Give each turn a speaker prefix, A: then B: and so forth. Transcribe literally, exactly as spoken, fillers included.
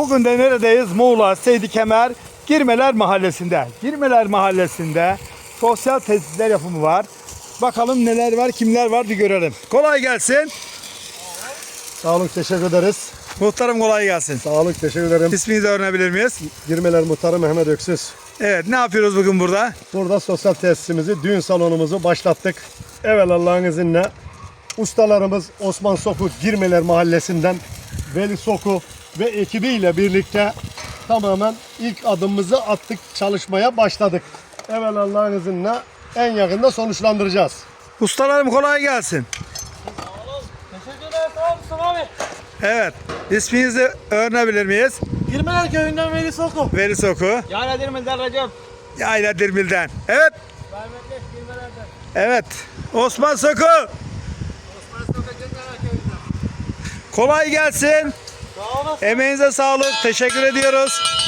A: Bugün de neredeyiz? Muğla Seydi Kemer Girmeler Mahallesi'nde. Girmeler Mahallesi'nde sosyal tesisler yapımı var. Bakalım neler var, kimler var bir görelim. Kolay gelsin.
B: Sağ olun, teşekkür ederiz.
A: Muhtarım kolay gelsin.
B: Sağ olun, teşekkür ederim.
A: İsminizi öğrenebilir miyiz?
B: Girmeler Muhtarı Mehmet Öksüz.
A: Evet, ne yapıyoruz bugün burada?
B: Burada sosyal tesisimizi, düğün salonumuzu başlattık. Evet, Allah'ın izniyle ustalarımız Osman Soku Girmeler Mahallesi'nden Veli Soku ve ekibiyle birlikte tamamen ilk adımımızı attık, çalışmaya başladık. Evet, Allah'ın izniyle en yakında sonuçlandıracağız.
A: Ustalarım kolay gelsin.
C: Teşekkür ederim, sağ ol Mustafa abi.
A: Evet, isminizi öğrenebilir miyiz?
C: Girmeler köyünden Veli Soku.
A: Veli Soku.
C: Yani Dirmil'den Recep.
A: Yayla Dirmil'den. Evet,
C: Rahmetli Girmeler'den.
A: evet. Osman Soku.
C: Osman Soku Girmeler köyünden.
A: Kolay gelsin.
C: Sağ olasın.
A: Emeğinize sağlık. Teşekkür ediyoruz.